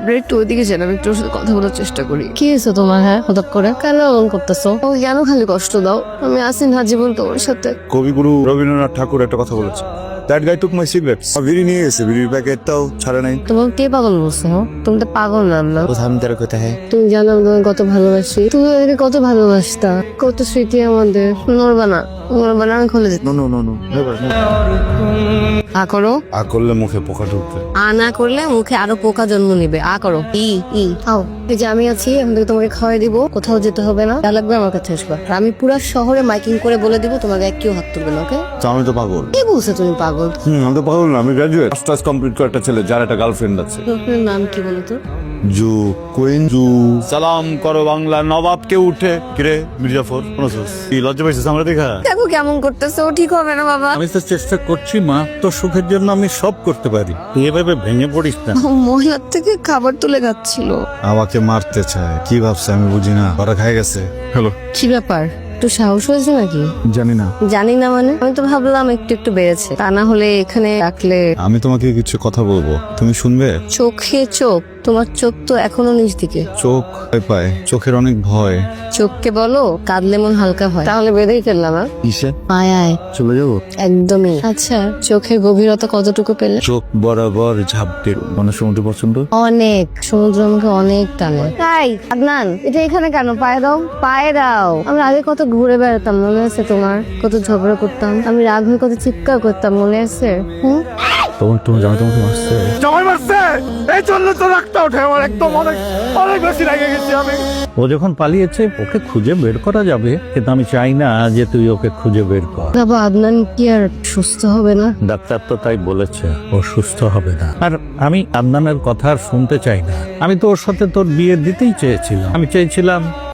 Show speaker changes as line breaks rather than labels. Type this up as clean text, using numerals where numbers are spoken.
আপনার একটু ওইদিকে যান, আমি একটু ওর সাথে কথা বলার চেষ্টা করি।
কি হয়েছে তোমার? হ্যাঁ, হঠাৎ করে কেন এমন করতেছো?
ও কেন খালি কষ্ট দাও? আমি আসি না জীবন তোমার সাথে।
কবিগুরু রবীন্দ্রনাথ ঠাকুর একটা কথা বলেছে, that guy took my cigarettes. বিড়ি নিয়ে গেছে, বিড়ির প্যাকেটটাও ছাড়ে নাই।
তোমাকে কে পাগল বলছে? হ্যাঁ, তুমি তো পাগল নাম না।
কোথাও তেরা কোথায় হ্যাঁ
তুমি জানো আমি তোমাকে কত ভালোবাসি, তুমি আমাকে কত ভালোবাসতা, কত স্মৃতি আমাদের। নড়বা না, নড়বা না, আমি খুলে দিই।
নো নো নো নো
আ করো।
আ করলে মুখে পোকা ঢুকবে।
আ না করলে মুখে আরো পোকা জন্ম নিবে। আ করো। ই ই
খাও, এই যে আমি আছি, আমি তোমাকে খাওয়াই দিব, কোথাও যেতে হবে না, যা লাগবে আমার কাছে আসবা। আর আমি পুরো শহরে মাইকিং করে বলে দিব তোমাকে কেউ হাত তুলবে না, ওকে?
তো আমি তো পাগল।
কি বলছো তুমি পাগল?
আমি তো পাগল না, আমি গ্রাজুয়েট, মাস্টার্স কমপ্লিট করে একটা ছেলে যার একটা গার্লফ্রেন্ড আছে।
আপনার নাম কি বলো তো?
Zoo queen zoo. সালাম করো বাংলা নবাবকে উঠে। কিরে মির্জাফর শুনছস? কি লজ্জা পাইছিস আমরা দেখা?
দেখো কেমন করতেছে, ও ঠিক হবে না বাবা।
আমি তো চেষ্টা করছি মা, তোর সুখের জন্য আমি সব করতে পারি, তুই এভাবে ভেঙে পড়িস না।
ও মহিলার থেকে খাবার তুলে খাচ্ছিল।
আমাকে মারতে চায়, কি ভাবছে আমি বুঝি না। ওরা খাই গেছে। হ্যালো,
কি ব্যাপার, একটু সাহস হয়েছে নাকি?
জানি না।
জানি না মানে, আমি তো ভাবলাম একটু একটু বেড়েছে, তা না হলে এখানে রাখলে।
আমি তোমাকে কিছু কথা বলবো, তুমি শুনবে?
চোখে চোখ, তোমার চোখ তো এখনো নিচ দিকে।
চোখ ভয় পায়, চোখের অনেক ভয়।
চোখকে বলো কাঁদলে মন হালকা হয়। তাহলে বেঁধেই ফেললাম।
কিসে
আয়
চলে যাবো?
একদমই। আচ্ছা, চোখের গভীরতা কতটুকু পেলে?
চোখ বরাবর ঝাপটে। মানে সমুদ্র পছন্দ?
অনেক, সমুদ্র আমাকে অনেক টানে। তাই আদনান, এটা এখানে কেন? পায়ে দাও, পায়ে দাও। আমরা আগে কত ঘুরে বেড়াতাম, মনে আছে তোমার? কত ঝগড়া করতাম, আমি রাগ হয়ে কত চিৎকার করতাম, মনে আছে?
তুমি জানো তোমাকে মারছে?
জামাই মারছে, এই জন্য তো রাখতে ওঠে আমার একদম অনেক অনেক বেশি রেগে গেছি আমি। ও যখন পালিয়েছে ওকে খুঁজে বের করা যাবে, কিন্তু আমি চাই না যে তুই ওকে খুঁজে বের কর।
বাবা, আদনান কি আর সুস্থ হবে না?
ডাক্তার তো তাই বলেছে, ও সুস্থ হবে না। আর আমি আদনানের কথা আর শুনতে চাই না। আমি তো ওর সাথে তোর বিয়ে দিতেই চেয়েছিলাম। আমি চেয়েছিলাম